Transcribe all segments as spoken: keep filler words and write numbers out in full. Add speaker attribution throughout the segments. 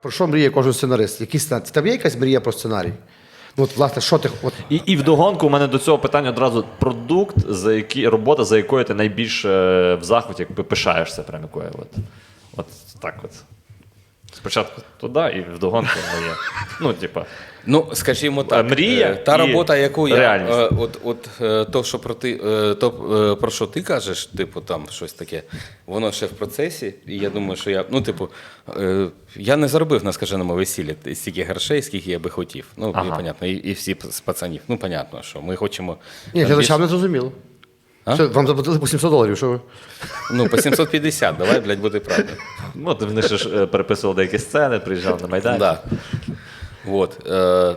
Speaker 1: Про що мріє кожен сценарист? Який сценарій? Там є якась мрія про сценарій? Ну, от, власне, що ти... От...
Speaker 2: І, і вдогонку у мене до цього питання одразу продукт, за який, робота, за якою ти найбільше в захваті, якби пишаєшся прям якою. От, от так от. Спочатку туди і вдогонку моє. Ну, типа.
Speaker 3: Ну, скажімо так,
Speaker 2: мрія
Speaker 3: та робота, яку я,
Speaker 2: реальність.
Speaker 3: е, от, от е, то, що про ти, е, то, е, про що ти кажеш, типу, там щось таке, воно ще в процесі, і я думаю, що я, ну, типу, е, я не заробив на скаженому весіллі стільки грошей, скільки я би хотів. Ну,
Speaker 2: Ага.
Speaker 3: і, понятно, і, і всі з пацанів. Ну, понятно, що ми хочемо...
Speaker 1: Ні,
Speaker 3: там
Speaker 1: глядачам
Speaker 3: більш-
Speaker 1: не зрозуміло.
Speaker 3: А?
Speaker 1: Що, вам заплатили по сімсот доларів, що ви?
Speaker 3: Ну, по сімсот п'ятдесят, давай, блядь, буде правда.
Speaker 2: Ну, от вони ще ж е, переписували деякі сцени, приїжджали на Майдан.
Speaker 3: Да. Вот. Е,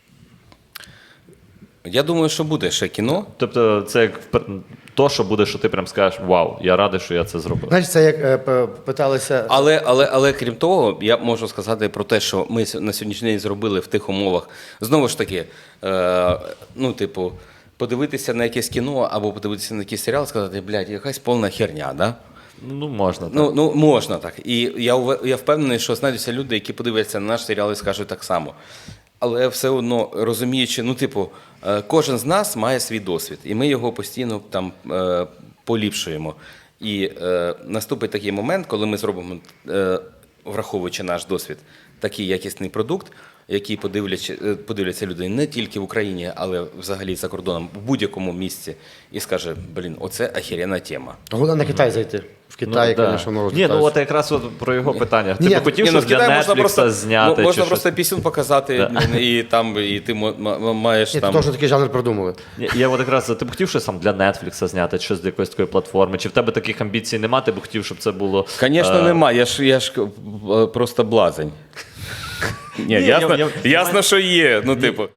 Speaker 3: я думаю, що буде ще кіно.
Speaker 2: Тобто це як пер- то, що буде, що ти прям скажеш, вау, я радий, що я це зробив.
Speaker 1: Знаєш, це як е, п- питалися...
Speaker 3: Але, але, але крім того, я можу сказати про те, що ми с- на сьогоднішній день зробили в тих умовах. Знову ж таки, е, ну, типу, подивитися на якесь кіно або подивитися на якийсь серіал, сказати, блядь, якась повна херня, да?
Speaker 2: Ну, можна. Так.
Speaker 3: Ну, ну, можна так. І я, ув- я впевнений, що знайдуться люди, які подивляться на наш серіал і скажуть так само. Але все одно розуміючи, ну, типу, е, кожен з нас має свій досвід, і ми його постійно там е, поліпшуємо. І е, наступить такий момент, коли ми зробимо, е, враховуючи наш досвід, такий якісний продукт, який подивляться, е, подивляться люди не тільки в Україні, але взагалі за кордоном, в будь-якому місці, і скаже, блін, оце охеренна тема.
Speaker 1: Головне на Китай зайти. В Китаї,
Speaker 2: да.
Speaker 1: звісно, воно
Speaker 2: Ні, ну
Speaker 1: розвивається.
Speaker 2: от якраз от про його питання. Ти
Speaker 1: Ні,
Speaker 2: б хотів
Speaker 3: Ні, ну,
Speaker 2: щось
Speaker 3: в
Speaker 2: для
Speaker 3: Китаї можна
Speaker 2: Netflix
Speaker 3: просто,
Speaker 2: зняти?
Speaker 3: мо- можна
Speaker 2: чи
Speaker 3: просто
Speaker 2: щось?
Speaker 3: пісюн показати,
Speaker 2: Да.
Speaker 3: і там і ти мо- м- маєш
Speaker 1: Ні,
Speaker 3: там.
Speaker 1: то теж такий жанр придумали.
Speaker 2: Ні, Я от якраз, ти б хотів щось там для Netflix зняти, щось для якоїсь такої платформи? Чи в тебе таких амбіцій немає, ти б хотів, щоб це було...
Speaker 3: Звісно,
Speaker 2: е,
Speaker 3: нема. Я ж я ж е, просто блазень. Ні,
Speaker 2: Ні,
Speaker 3: ясно,
Speaker 2: я- я-
Speaker 3: ясно, що є. Ну, типу.